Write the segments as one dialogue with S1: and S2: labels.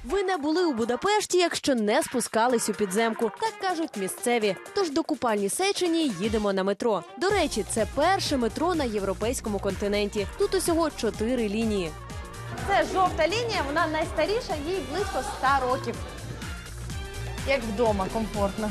S1: Ви не були у Будапешті, якщо не спускались у підземку. Так кажуть місцеві. Тож до купальні Сечені їдемо на метро. До речі, це перше метро на європейському континенті. Тут усього 4 лінії.
S2: Це жовта лінія, вона найстаріша, їй близько 100 років. Як вдома, комфортно.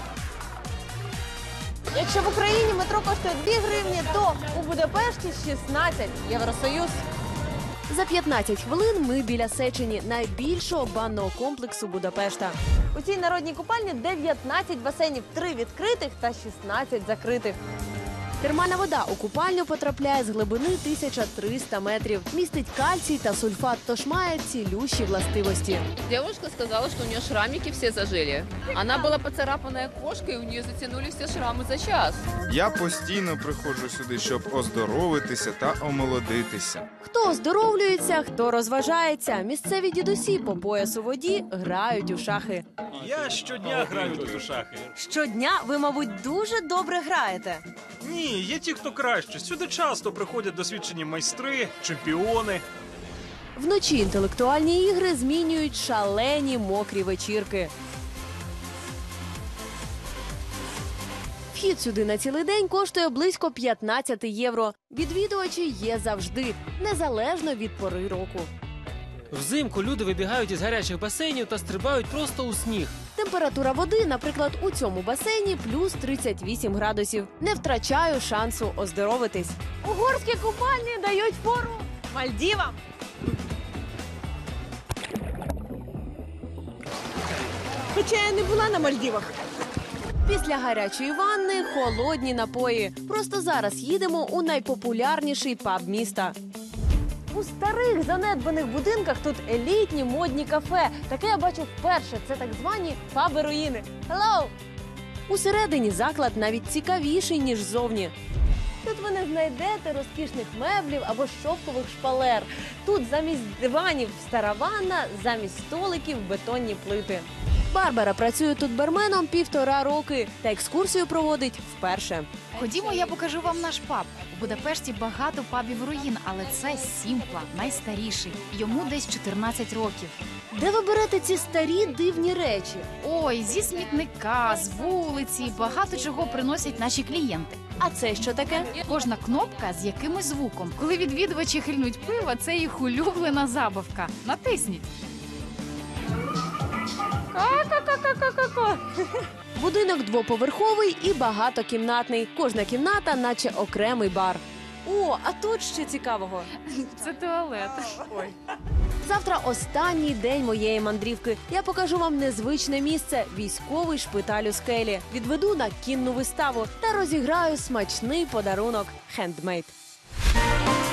S2: Якщо в Україні метро коштує 2 гривні, то у Будапешті 16. Євросоюз.
S1: За 15 хвилин ми біля Сечені, найбільшого банного комплексу Будапешта.
S2: У цій народній купальні 19 басейнів, 3 відкритих та 16 закритих.
S1: Термальна вода у купальню потрапляє з глибини 1300 метрів. Містить кальцій та сульфат, тож має цілющі властивості.
S3: Девушка сказала, что у нее шрамики все зажили. Она была поцарапанная кошкой, и у нее затянулись все шрамы за час.
S4: Я постійно приходжу сюди, щоб оздоровитися та омолодитися.
S1: Хто оздоровлюється, хто розважається. Місцеві дідусі по пояс у воді грають у шахи.
S5: Я щодня граю тут у шахи.
S2: Щодня ви, мабуть, дуже добре граєте.
S5: Ні, є ті, хто краще. Сюди часто приходять досвідчені майстри, чемпіони.
S1: Вночі інтелектуальні ігри змінюють шалені мокрі вечірки. Вхід сюди на цілий день коштує близько 15 євро. Відвідувачі є завжди, незалежно від пори року.
S6: Взимку люди вибігають із гарячих басейнів та стрибають просто у сніг.
S1: Температура води, наприклад, у цьому басейні плюс 38 градусів. Не втрачаю шансу оздоровитись.
S2: Угорські купальні дають фору Мальдівам. Хоча я не була на Мальдівах.
S1: Після гарячої ванни – холодні напої. Просто зараз їдемо у найпопулярніший паб міста.
S2: У старих занедбаних будинках тут елітні модні кафе. Таке я бачу вперше. Це так звані паби-руїни. Hello!
S1: Усередині заклад навіть цікавіший, ніж ззовні.
S2: Тут ви не знайдете розкішних меблів або шовкових шпалер. Тут замість диванів стара ванна, замість столиків бетонні плити.
S1: Барбара працює тут барменом 1,5 роки та екскурсію проводить вперше.
S7: Ходімо, я покажу вам наш паб. У Будапешті багато пабів руїн, але це Сімпла, найстаріший. Йому десь 14 років.
S1: Де ви берете ці старі дивні речі?
S7: Ой, зі смітника, з вулиці, багато чого приносять наші клієнти.
S1: А це що таке?
S7: Кожна кнопка з якимось звуком. Коли відвідувачі хильнуть пива, це їх улюблена забавка. Натисніть.
S2: Ка-ка-ка-ка-ка-ка.
S1: Будинок двоповерховий і багатокімнатний. Кожна кімната наче окремий бар.
S2: О, а тут ще цікавого.
S7: Це туалет.
S1: Завтра останній день моєї мандрівки. Я покажу вам незвичне місце – військовий шпиталь у скелі. Відведу на кінну виставу та розіграю смачний подарунок – хендмейд.